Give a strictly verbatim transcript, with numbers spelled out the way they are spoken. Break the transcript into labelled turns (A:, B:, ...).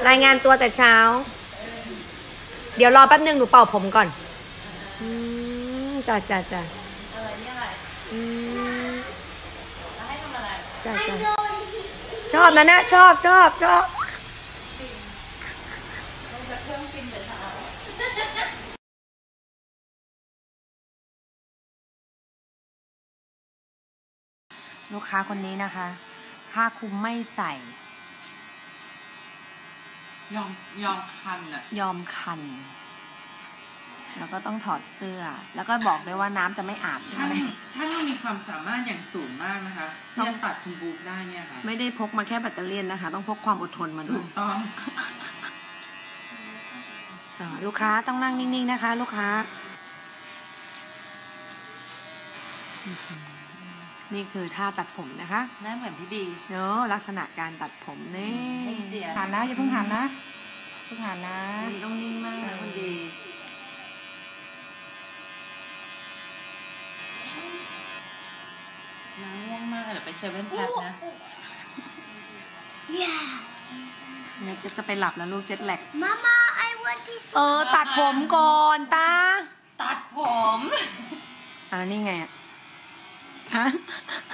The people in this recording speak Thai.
A: รายงานตัวแต่เช้า เดี๋ยวรอแป๊บนึงหนูเป่าผมก่อนอืมจ้าจ้าจ้าอะไรเนี่ยอะไรอืมแล้วให้ทำอะไรจ้าจ้าชอบนะเนี่ยชอบชอบชอบลูกค้าคนนี้นะคะผ้าคลุมไม่ใส่
B: ยอมยอมคันอะ
A: ยอมคันแล้วก็ต้องถอดเสื้อแล้วก็บอกด้วยว่าน้ำจะไม่อาบ
B: ช่างช่างมีความสามารถอย่างสูงมากนะคะที่จะตัดคุณบุ๊กได้เนี่ยค่ะ
A: ไม่ได้พกมาแค่แบตเตอรี่นะคะต้องพกความอดทนมาด้วย
B: ถูกต้อง
A: ลูกค้าต้องนั่งนิ่งๆนะคะลูกค้านี่คือท่าตัดผมนะคะ
B: หน้าเหมือนพี่บี
A: เนอะลักษณะการตัดผมนี่
B: หันนะอย่าเพิ่งหันนะเพิ่งหันนะ
A: ต้องนิ่งมากนะคุณดี
B: น้ำง่วงมากเดี๋ยวไปเซเว่นแพทนะ
A: เนี่ยเจ๊จะไปหลับแล้วลูกเจ็ตแลก
C: มาม่าไอวันที่
A: เออตัดผมก่อนตา
B: ตัดผม
A: อ่านี่ไงฮะ